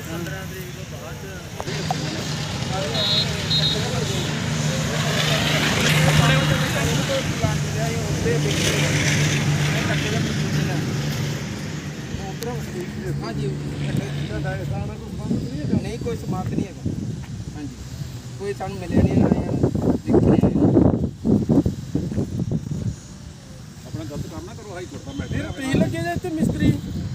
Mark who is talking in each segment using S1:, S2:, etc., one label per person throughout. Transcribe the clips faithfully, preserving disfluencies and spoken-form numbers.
S1: हाँ जी नहीं कोई समाप्त नहीं है। हाँ जी कोई सानू मिले नहीं ना देखिए
S2: अपना गलत काम ना करो। हाई कोर्ट का मैटर
S1: ਤੁਸੀਂ ਲੱਗੇ ਜੇ ਇੱਥੇ ਮਿਸਤਰੀ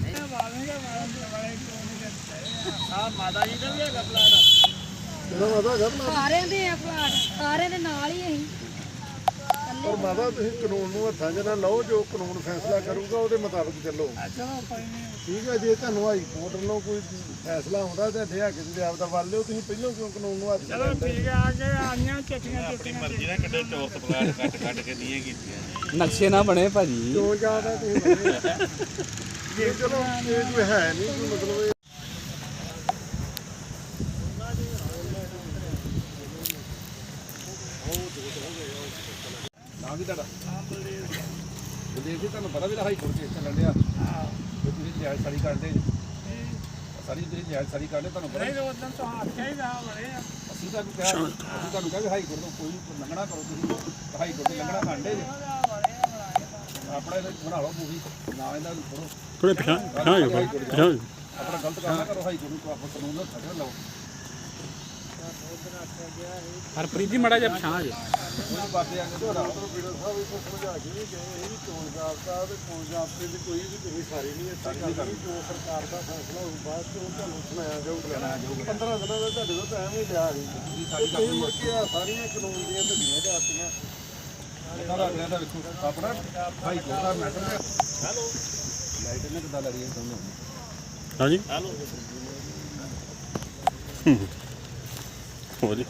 S1: ਮਾਤਾ ਜੀ ਦਾ ਵੀ ਹੈਗਾ ਪਲਾਟ
S3: ਸਾਰਿਆਂ ਦੇ ਆ ਪਲਾਟ ਸਾਰਿਆਂ ਦੇ ਨਾਲ ਹੀ ਅਸੀਂ
S4: ਪਰ ਮਾਤਾ ਤੁਸੀਂ ਕਾਨੂੰਨ ਨੂੰ ਹੱਥਾਂ 'ਚ ਨਾ ਲਓ, ਜੋ ਕਾਨੂੰਨ ਫੈਸਲਾ ਕਰੂਗਾ ਉਹਦੇ ਮੁਤਾਬਕ ਚੱਲੋ। ਠੀਕ ਹੈ, ਜੇ ਤੁਹਾਨੂੰ ਹਾਈ ਕੋਰਟ ਵੱਲੋਂ ਕੋਈ ਫੈਸਲਾ ਆਉਂਦਾ ਤਾਂ ਦੇ ਹੱਕ ਦੇ ਆਪ ਦਾ ਵੱਲ ਲਿਓ। ਤੁਸੀਂ ਪਹਿਲਾਂ ਕਿਉਂ ਕਾਨੂੰਨ ਨੂੰ ਹੱਥ
S1: ਚਲੋ ਠੀਕ ਹੈ ਆ ਕੇ ਆਈਆਂ ਚੱਟੀਆਂ
S2: ਆਪਣੀ ਮਰਜ਼ੀ ਨਾਲ ਕਿੱਡੇ ਚੌਰਸ ਪਲਾਟ ਕੱਟ ਕੱਟ ਕੇ ਦੀਆਂ ਕੀਤੀਆਂ
S1: ਨਕਸ਼ੇ ਨਾ ਬਣੇ ਭਾਜੀ
S4: ਕਿਉਂ ਜ਼ਿਆਦਾ ਤੁਸੀਂ ਜੇ ਚਲੋ ਇਹ ਕੋਈ ਹੈ ਨਹੀਂ ਕੋਈ ਮਤਲਬ ਇਹ
S2: ਨਾਮ ਕੀ ਤੁਹਾਡਾ? ਬਲਦੇਵ ਜੀ, ਤੁਹਾਨੂੰ ਪਤਾ ਵੀ ਹਾਈ ਕੋਰਟ ਕੇਸ ਚੱਲਣ ਡਿਆ। ਤੁਸੀਂ ਜਾਇਜ਼ ਸਾਰੀ ਕਰਦੇ ਸਾਰੀ ਤੁਸੀਂ ਜਾਇਜ਼ ਸਾਰੀ ਕਰਦੇ ਤੁਹਾਨੂੰ ਪਤਾ
S1: ਨਹੀਂ ਉਦੋਂ ਤਾਂ ਆਖਿਆ ਹੀ ਨਾ ਬਣੇ ਆ
S2: ਅਸੀਂ ਤੁਹਾਨੂੰ ਕਿਹਾ ਅਸੀਂ ਤੁਹਾਨੂੰ ਕਿਹਾ ਵੀ ਹਾਈ ਕੋਰਟ ਤੋਂ ਕੋਈ ਲੰਘਣਾ ਕਰੋ। ਤੁਸੀਂ ਹਾਈ ਕੋਰਟ ਤੋਂ ਲੰਘਣਾ ਕਾਂਡੇ ਜੇ ਆਪਣਾ ਬਣਾ ਲਓ ਮੂਵੀ ਨਾ ਇਹਨਾਂ ਨੂੰ ਥੋੜੋ
S5: ਥੋੜੇ ਪਿਛਾਂ ਪਿਛਾਂ ਹੋ ਜਾਓ ਪਿਛਾਂ ਹੋ ਜਾਓ
S2: ਆਪਣਾ ਗਲਤ ਕੰਮ ਨਾ ਕਰੋ। ਹਾਈ ਕੋਰਟ ਨੂੰ ਆਪਾਂ ਕਾਨੂੰਨ ਦਾ ਫੈਸਲਾ ਲਓ।
S1: ਹਰਪ੍ਰੀਤ ਜੀ ਮੜਾ ਜਿਹਾ ਪਛਾਣ ਜੇ
S2: ਕੋਈ ਬਾਤੇ ਆ ਕੇ ਤੁਹਾਡਾ
S4: ਬੀਡਰ ਸਾਹਿਬ ਇਹ ਸਮਝਾ ਕੇ ਵੀ ਗਏ ਇਹ ਵੀ ਚੋਣ ਜਾਬਤਾ ਤੇ ਚੋਣ ਜਾਬਤੇ ਦੀ ਕੋਈ ਵੀ ਤੁਸੀਂ ਸਾਰੀ ਨਹੀਂ ਇੱਥੇ ਕਰਨੀ। ਜੋ ਸਰਕਾਰ ਦਾ ਫੈਸਲਾ ਹੋਊ ਬਾਅਦ ਚ ਉਹ ਤੁਹਾਨੂੰ ਸੁਣਾਇਆ ਜਾਊਗਾ। ਪੰਦਰਾਂ ਦਿਨਾਂ ਦਾ ਤੁਹਾਡੇ ਤੋਂ ਟਾਈਮ ਹੀ ਲਿਆ ਸੀ। ਤੁਸੀਂ ਮੁੜ ਕੇ ਆ ਸਾਰੀਆਂ ਕਾਨੂੰਨ ਦੀਆਂ ਢੱਡੀਆਂ ਜਾਤੀਆਂ
S2: ਇਹਨਾਂ ਦਾ ਅਗਲਿਆਂ ਦਾ ਵੇਖੋ ਆਪਣਾ ਹਾਈ ਕੋਰਟ ਦਾ ਮੈਟਰ ਹੈ। ਹੈਲੋ ਲਾਈਟ ਨੇ ਕਿੱਦਾਂ ਲੜੀ ਦੋਨੋਂ?
S5: ਹਾਂਜੀ ਹੈਲੋ ਹੋ ਜੀ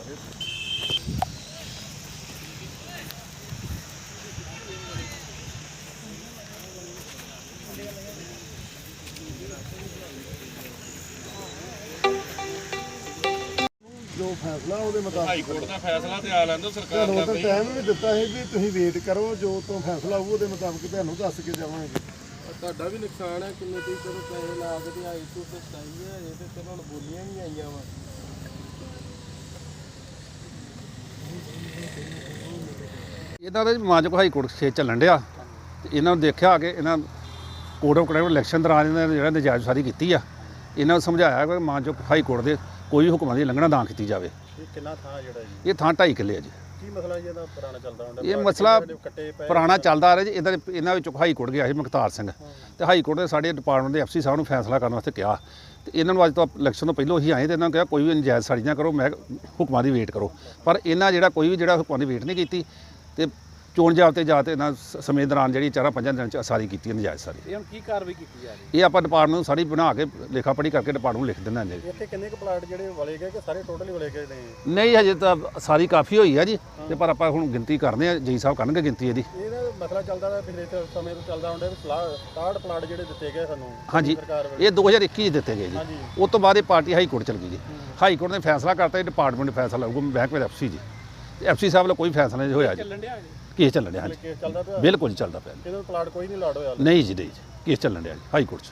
S4: ਜੋ ਫੈਸਲਾ ਉਹਦੇ ਮੁਤਾਬਕ
S2: ਹਾਈ ਕੋਰਟ ਦਾ ਫੈਸਲਾ ਤੇ ਆ ਲੈਂਦੋ ਸਰਕਾਰ
S4: ਤੁਹਾਨੂੰ
S2: ਦਾ।
S4: ਤਾਂ ਟਾਈਮ ਵੀ ਦਿੱਤਾ ਸੀ ਵੀ ਤੁਸੀਂ ਵੇਟ ਕਰੋ, ਜੋ ਤੋਂ ਫੈਸਲਾ ਹੋਊ ਉਹਦੇ ਮੁਤਾਬਕ ਤੁਹਾਨੂੰ ਦੱਸ ਕੇ ਜਾਵਾਂਗੇ।
S1: ਤੁਹਾਡਾ ਵੀ ਨੁਕਸਾਨ ਹੈ ਕਿੰਨੇ ਤੁਸੀਂ ਚਲੋ ਪੈਸੇ ਲਾ ਕੇ ਤੇ ਆਈ ਤੂੰ ਤੇ ਸਹੀ ਹੈ ਇਹ ਤੇ ਚਲੋ ਹੁਣ ਬੋਲੀਆਂ ਵੀ ਆਈਆਂ ਵਾ
S2: ਇਹਨਾਂ ਦਾ ਮਾਨਯੋਗ ਹਾਈ ਕੋਰਟ ਕੇਸ ਚੱਲਣ ਡਿਆ ਤੇ ਇਹਨਾਂ ਨੂੰ ਦੇਖਿਆ ਆ ਕੇ ਇਹਨਾਂ ਕੋਰਟ ਆਫ ਕੰਡਕਟ ਇਲੈਕਸ਼ਨ ਦੌਰਾਨ ਇਹਨਾਂ ਨੇ ਜਿਹੜਾ ਨਜਾਇਜ਼ ਸਾਰੀ ਕੀਤੀ ਆ। ਇਹਨਾਂ ਨੂੰ ਸਮਝਾਇਆ ਕਿ ਮਾਨਯੋਗ ਹਾਈ ਕੋਰਟ ਦੇ ਕੋਈ ਵੀ ਹੁਕਮਾਂ ਦੀ ਉਲੰਘਣਾ ਨਾ ਕੀਤੀ ਜਾਵੇ।
S5: ਇਹ ਕਿੰਨਾ ਥਾਂ ਜਿਹੜਾ ਜੀ
S2: ਇਹ ਥਾਂ ਢਾਈ ਕਿੱਲੇ ਆ ਜੀ।
S5: ਕੀ ਮਸਲਾ ਜੀ ਇਹਦਾ ਪੁਰਾਣਾ ਚੱਲਦਾ ਹੁੰਦਾ?
S2: ਇਹ ਮਸਲਾ ਪੁਰਾਣਾ ਚੱਲਦਾ ਆ ਰਿਹਾ ਜੀ। ਇਹਦਾ ਇਹਨਾਂ ਵਿੱਚੋਂ ਹਾਈ ਕੋਰਟ ਗਿਆ ਸੀ ਮੁਖਤਾਰ ਸਿੰਘ ਤੇ ਹਾਈ ਕੋਰਟ ਦੇ ਸਾਡੇ ਡਿਪਾਰਟਮੈਂਟ ਦੇ ਐਫਸੀ ਸਾਹਿਬ ਨੂੰ ਫੈਸਲਾ ਕਰਨ ਵਾਸਤੇ ਕਿਹਾ ਤੇ ਇਹਨਾਂ ਨੂੰ ਅੱਜ ਤੋਂ ਇਲੈਕਸ਼ਨ ਤੋਂ ਪਹਿਲਾਂ ਹੀ ਆਏ ਤੇ ਇਹਨਾਂ ਨੂੰ ਕਿਹਾ ਕੋਈ ਵੀ ਨਜਾਇਜ਼ ਸਾੜੀ ਨਾ ਕਰੋ, ਮੈਂ ਹੁਕਮਾਂ ਦੀ ਵੇਟ ਕਰੋ। ਪਰ ਇਹਨਾਂ ਜਿਹੜਾ ਕੋਈ ਵੀ ਜਿਹੜਾ ਹੁਕਮਾਂ ਦੀ ਵੇਟ ਨਹੀਂ ਕੀਤੀ ਤੇ ਚੋਣ ਜਾਬਤੇ ਜਾ ਤੇ ਇਹਨਾਂ ਸਮੇਂ ਦੌਰਾਨ ਜਿਹੜੀ ਚਾਰਾਂ ਪੰਜਾਂ ਦਿਨਾਂ 'ਚ ਸਾਰੀ ਕੀਤੀ ਹੈ ਨਜਾਇਜ਼ ਸਾਰੀ।
S1: ਇਹ ਹੁਣ ਕੀ ਕਾਰਵਾਈ ਕੀਤੀ ਜਾ ਰਹੀ
S2: ਇਹ ਆਪਾਂ ਡਿਪਾਰਟਮੈਂਟ ਨੂੰ ਸਾਰੀ ਬਣਾ ਕੇ ਲੇਖਾ ਪੜ੍ਹੀ ਕਰਕੇ ਡਿਪਾਰਟਮੈਂਟ ਨੂੰ ਲਿਖ ਦਿੰਦਾ ਜੀ।
S5: ਇੱਥੇ ਕਿੰਨੇ ਕੁ ਪਲਾਟ ਜਿਹੜੇ ਵਲੇ ਗਏ ਕਿ ਸਾਰੇ ਟੋਟਲ ਹੀ ਵਲੇ ਗਏ ਨੇ?
S2: ਨਹੀਂ ਹਜੇ ਤਾਂ ਸਾਰੀ ਕਾਫੀ ਹੋਈ ਆ ਜੀ ਤੇ ਪਰ ਆਪਾਂ ਹੁਣ ਗਿਣਤੀ ਕਰਦੇ ਆ। ਜੀ ਸਾਹਿਬ ਕਰਨਗੇ ਗਿਣਤੀ ਇਹਦੀ।
S5: ਇਹਦਾ ਮਸਲਾ ਚੱਲਦਾ ਰਿਹਾ ਪਿਛਲੇ ਸਮੇਂ ਤੋਂ ਚੱਲਦਾ ਹੁੰਦਾ ਵੀ ਸਤਾਹਠ ਪਲਾਟ ਜਿਹੜੇ ਦਿੱਤੇ ਗਏ ਸਾਨੂੰ
S2: ਹਾਂਜੀ
S5: ਸਰਕਾਰ ਵੱਲੋਂ।
S2: ਇਹ ਦੋ ਹਜ਼ਾਰ ਇੱਕੀ 'ਚ ਦਿੱਤੇ ਗਏ ਜੀ।
S5: ਹਾਂਜੀ।
S2: ਉਸ ਤੋਂ ਬਾਅਦ ਇਹ ਪਾਰਟੀ ਹਾਈ ਕੋਰਟ ਚਲ ਗਈ ਜੀ। ਹਾਈ ਕੋਰਟ ਨੇ ਫੈਸਲਾ ਕਰਤਾ ਇਹ ਡਿਪਾਰਟਮੈਂਟ ਫੈਸਲਾ ਲਊਗਾ ਬੈਂਕ ਵਿੱਚ ਐਫਸੀ ਜੀ ਤੇ ਐਫਸੀ ਸਾਹਿਬ ਵੱਲੋਂ ਕੋਈ ਫੈਸਲਾ ਨਹੀਂ ਹੋਇਆ ਜੀ।
S1: ਚੱਲਣ ਡਿਆ
S2: ਕੇਸ ਚੱਲਣ ਡਿਆ ਹਾਂਜੀ
S5: ਕੇਸ ਚੱਲਦਾ ਪਿਆ
S2: ਬਿਲਕੁਲ ਨਹੀਂ ਚੱਲਦਾ ਪਿਆ।
S5: ਇਹਦਾ ਪਲਾਟ ਕੋਈ ਨਹੀਂ ਲਾੜ ਹੋਇਆ
S2: ਨਹੀਂ ਜੀ ਨਹੀਂ ਜੀ ਕੇਸ ਚੱਲਣ ਡਿਆ ਜੀ ਹਾਈ ਕੋਰਟ 'ਚ।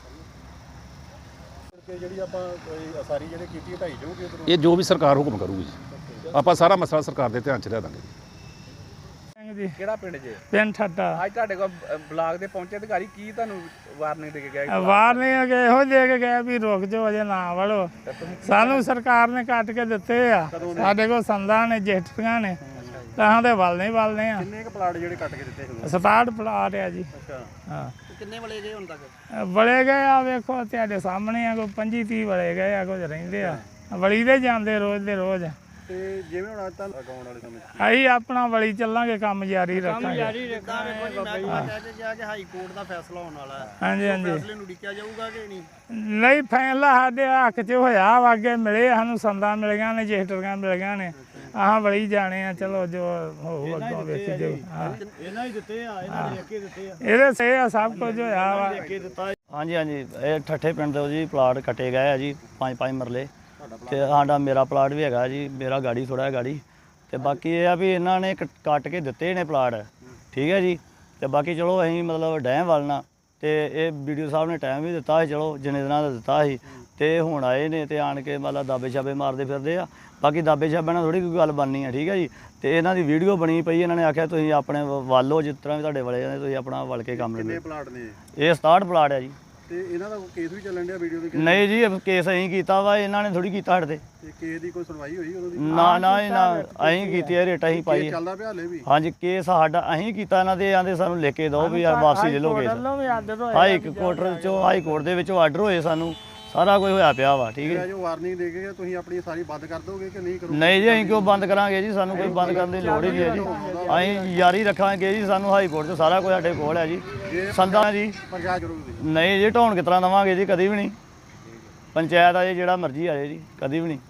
S5: ਕਿ ਜਿਹੜੀ ਆਪਾਂ ਕੋਈ ਅਸਾਰੀ ਜਿਹੜੇ ਕੀਤੀ ਹਟਾਈ ਜਾਊਗੀ ਉਧਰੋਂ?
S2: ਇਹ ਜੋ ਵੀ ਸਰਕਾਰ ਹੁਕਮ ਕਰੂਗੀ ਜੀ ਆਪਾਂ ਸਾਰਾ ਮਸਲਾ ਸਰਕਾਰ ਦੇ ਧਿਆਨ 'ਚ ਲਿਆ ਦਾਂਗੇ ਜੀ।
S1: ਜੀ ਕਿਹੜਾ ਪਿੰਡ ਜੇ?
S6: ਪਿੰਡ ਠੱਟਾ।
S1: ਅੱਜ ਤੁਹਾਡੇ ਕੋਲ ਬਲਾਕ ਦੇ ਪਹੁੰਚੇ ਅਧਿਕਾਰੀ ਕੀ ਤੁਹਾਨੂੰ ਵਾਰਨਿੰਗ ਦੇ ਕੇ ਗਏ?
S6: ਵਾਰਨਿੰਗ ਅਗੇ ਇਹੋ ਦੇ ਕੇ ਗਏ ਵੀ ਰੁਕ ਜਾਓ ਅਜੇ ਨਾ ਵੜੋ। ਸਾਨੂੰ ਸਰਕਾਰ ਨੇ ਕੱਟ ਕੇ ਦਿੱਤੇ ਆ। ਸਾਡੇ ਕੋਲ ਸੰਦਾਂ ਨੇ ਜੇਠੀਆਂ ਨੇ ਤਾਂ ਦੇ ਵੱਲ ਨਹੀਂ ਵੱਲਦੇ ਆ।
S5: ਕਿੰਨੇ ਕੁ ਪਲਾਟ ਜਿਹੜੇ ਕੱਟ ਕੇ ਦਿੱਤੇ ਸੀ?
S6: ਸਤਾਹਠ ਪਲਾਟ ਆ ਜੀ।
S5: ਅੱਛਾ
S6: ਹਾਂ
S1: ਕਿੰਨੇ ਵਲੇ ਗਏ ਹੁਣ ਤੱਕ?
S6: ਵਲੇ ਗਏ ਆ ਵੇਖੋ ਤੁਹਾਡੇ ਸਾਹਮਣੇ ਆ ਕੋਈ ਪੰਜੀ ਤੀਹ ਵਲੇ ਗਏ ਆ ਕੁਝ ਰਹਿੰਦੇ ਆ। ਵਲੀ ਦੇ ਜਾਂਦੇ ਰੋਜ਼ ਦੇ ਰੋਜ਼।
S5: ਤੇ ਜਿਵੇਂ ਹੁਣ ਅੱਜ ਤਾਂ ਅਗਾਉਣ ਵਾਲੇ ਸਮੇਂ 'ਚ
S6: ਅਸੀਂ ਆਪਣਾ ਵਲੀ ਚੱਲਾਂਗੇ ਕੰਮ ਜਾਰੀ ਰੱਖਾਂਗੇ।
S1: ਹਾਈ ਕੋਰਟ ਦਾ ਫੈਸਲਾ ਹੋਣ ਵਾਲਾ ਹੈ।
S6: ਹਾਂਜੀ ਹਾਂਜੀ
S1: ਫੈਸਲੇ ਨੂੰ ਉਡੀਕਿਆ ਜਾਊਗਾ ਕਿ ਨਹੀਂ?
S6: ਨਹੀਂ ਫੈਸਲਾ ਸਾਡੇ ਹੱਕ 'ਚ ਹੋਇਆ ਵਾ। ਅੱਗੇ ਮਿਲੇ ਸਾਨੂੰ ਸੰਦਾਂ ਮਿਲ ਗਈਆਂ ਨੇ ਜੇਠੀਆਂ ਮਿਲ ਗਈਆਂ ਨੇ। ਆਹ ਵਲੀ ਜਾਣੇ ਆ ਚਲੋ ਜੋ ਹੋਊ ਅੱਗੋਂ ਵੇਖੀ ਜਾਊ। ਹਾਂ
S5: ਇਹਨਾਂ ਹੀ ਦਿੱਤੇ ਆ ਇਹਨਾਂ ਨੇ ਅੱਗੇ ਦਿੱਤੇ ਆ
S6: ਇਹਦੇ ਸੇ ਆ ਸਭ ਕੁਝ ਹੋਇਆ ਵਾ।
S7: ਹਾਂਜੀ ਹਾਂਜੀ ਇਹ ਠੱਠੇ ਪਿੰਡ ਦੇ ਜੀ ਪਲਾਟ ਕੱਟੇ ਗਏ ਆ ਜੀ ਪੰਜ ਪੰਜ ਮਰਲੇ ਤੇ ਸਾਡਾ ਮੇਰਾ ਪਲਾਟ ਵੀ ਹੈਗਾ ਜੀ। ਮੇਰਾ ਗਾੜੀ ਥੋੜਾ ਹੈ ਗਾੜੀ ਤੇ ਬਾਕੀ ਇਹ ਆ ਵੀ ਇਹਨਾਂ ਨੇ ਕੱਟ ਕੇ ਦਿੱਤੇ ਨੇ ਪਲਾਟ। ਠੀਕ ਹੈ ਜੀ ਤੇ ਬਾਕੀ ਚਲੋ ਅਸੀਂ ਮਤਲਬ ਡੈਮ ਵੱਲ ਨਾ ਤੇ ਇਹ ਵੀਡੀਓ ਸਾਹਿਬ ਨੇ ਟਾਈਮ ਵੀ ਦਿੱਤਾ ਸੀ, ਚਲੋ ਜਿੰਨੇ ਦਿਨਾਂ ਦਾ ਦਿੱਤਾ ਸੀ, ਤੇ ਹੁਣ ਆਏ ਨੇ ਤੇ ਆਣ ਕੇ ਮਤਲਬ ਦਾਬੇ ਛਾਬੇ ਮਾਰਦੇ ਫਿਰਦੇ ਆ। ਬਾਕੀ ਦਾਬੇ ਛਾਬੇ ਨਾਲ ਥੋੜੀ ਕੋਈ ਗੱਲ ਬਣਨੀ ਆ, ਠੀਕ ਹੈ ਜੀ। ਤੇ ਇਹਨਾਂ ਦੀ ਵੀਡੀਓ ਬਣੀ ਪਈ, ਇਹਨਾਂ ਨੇ ਆਖਿਆ ਤੁਸੀਂ ਆਪਣੇ ਵੱਲ ਹੋ, ਜਿਸ ਤਰ੍ਹਾਂ ਵੀ ਤੁਹਾਡੇ ਵਾਲੇ ਜਾਂਦੇ ਤੁਸੀਂ ਆਪਣਾ ਵਲ ਕੇ ਕੰਮ
S5: ਕਿੰਨੇ
S7: ਲੈਂਦੇ।
S5: ਪਲਾਟ ਨੇ
S7: ਇਹ ਸਤਾਹਠ ਪਲਾਟ ਆ ਜੀ।
S5: ਤੇ ਇਹਨਾਂ ਦਾ ਕੇਸ ਵੀ ਚੱਲਣ ਡਿਆ ਵੀਡੀਓ ਦੇ?
S7: ਨਹੀਂ ਜੀ, ਇਹ ਕੇਸ ਅਸੀਂ ਕੀਤਾ ਵਾ, ਇਹਨਾਂ ਨੇ ਥੋੜੀ ਕੀਤਾ ਸਾਡੇ ਤੇ।
S5: ਤੇ ਕੇਸ ਦੀ ਕੋਈ ਸੁਣਵਾਈ ਹੋਈ ਉਦੋਂ ਦੀ?
S7: ਨਾ ਨਾ ਇਹ ਨਾ ਅਸੀਂ ਕੀਤੀ ਹੈ, ਰੇਟ ਅਸੀਂ ਪਾਈ
S5: ਕੇਸ
S7: ਹੈ।
S5: ਚੱਲਦਾ ਪਿਆ ਹਲੇ ਵੀ?
S7: ਹਾਂਜੀ, ਕੇਸ ਸਾਡਾ ਅਸੀਂ ਕੀਤਾ, ਇਹਨਾਂ ਦੇ ਆਂਦੇ ਸਾਨੂੰ ਲਿਖ ਕੇ ਦਿਓ ਵੀ ਆ ਵਾਪਸੀ ਲੈ ਲਓ ਕੇਸ।
S6: ਵੱਲੋਂ ਵੀ ਆਦਤ ਹੋਏ
S7: ਹਾਈ ਕੋਰਟ ਚੋਂ ਹਾਈ ਕੋਰਟ ਦੇ ਵਿੱਚੋਂ ਆਰਡਰ ਹੋਏ ਸਾਨੂੰ, ਸਾਰਾ ਕੁਝ ਹੋਇਆ ਪਿਆ ਵਾ, ਠੀਕ ਹੈ।
S5: ਜੋ ਵਾਰਨਿੰਗ ਦੇ ਕੇ ਤੁਸੀਂ ਆਪਣੀ ਸਾਰੀ ਬੰਦ ਕਰ ਦੋਗੇ ਕਿ ਨਹੀਂ ਕਰੋਗੇ?
S7: ਨਹੀਂ ਜੀ, ਅਸੀਂ ਕਿਉਂ ਬੰਦ ਕਰਾਂਗੇ ਜੀ, ਸਾਨੂੰ ਕੋਈ ਬੰਦ ਕਰਨ ਦੀ ਲੋੜ ਹੀ ਨਹੀਂ ਹੈ ਜੀ। ਅਸੀਂ ਜਾਰੀ ਰੱਖਾਂਗੇ ਜੀ, ਸਾਨੂੰ ਹਾਈ ਕੋਰਟ 'ਚ ਸਾਰਾ ਕੁਝ ਸਾਡੇ ਕੋਲ ਹੈ ਜੀ। ਸੰਦਾਂ ਜੀ
S5: ਪ੍ਰਸ਼ਾਸਨ ਕਰੋਗੇ?
S7: ਨਹੀਂ ਜੀ, ਢਾਉਣ ਕਿਸ ਤਰ੍ਹਾਂ ਦੇਵਾਂਗੇ ਜੀ, ਕਦੀ ਵੀ ਨਹੀਂ। ਪੰਚਾਇਤ ਆ ਜੀ, ਜਿਹੜਾ ਮਰਜ਼ੀ ਆ ਜਾਏ ਜੀ, ਕਦੀ ਵੀ ਨਹੀਂ।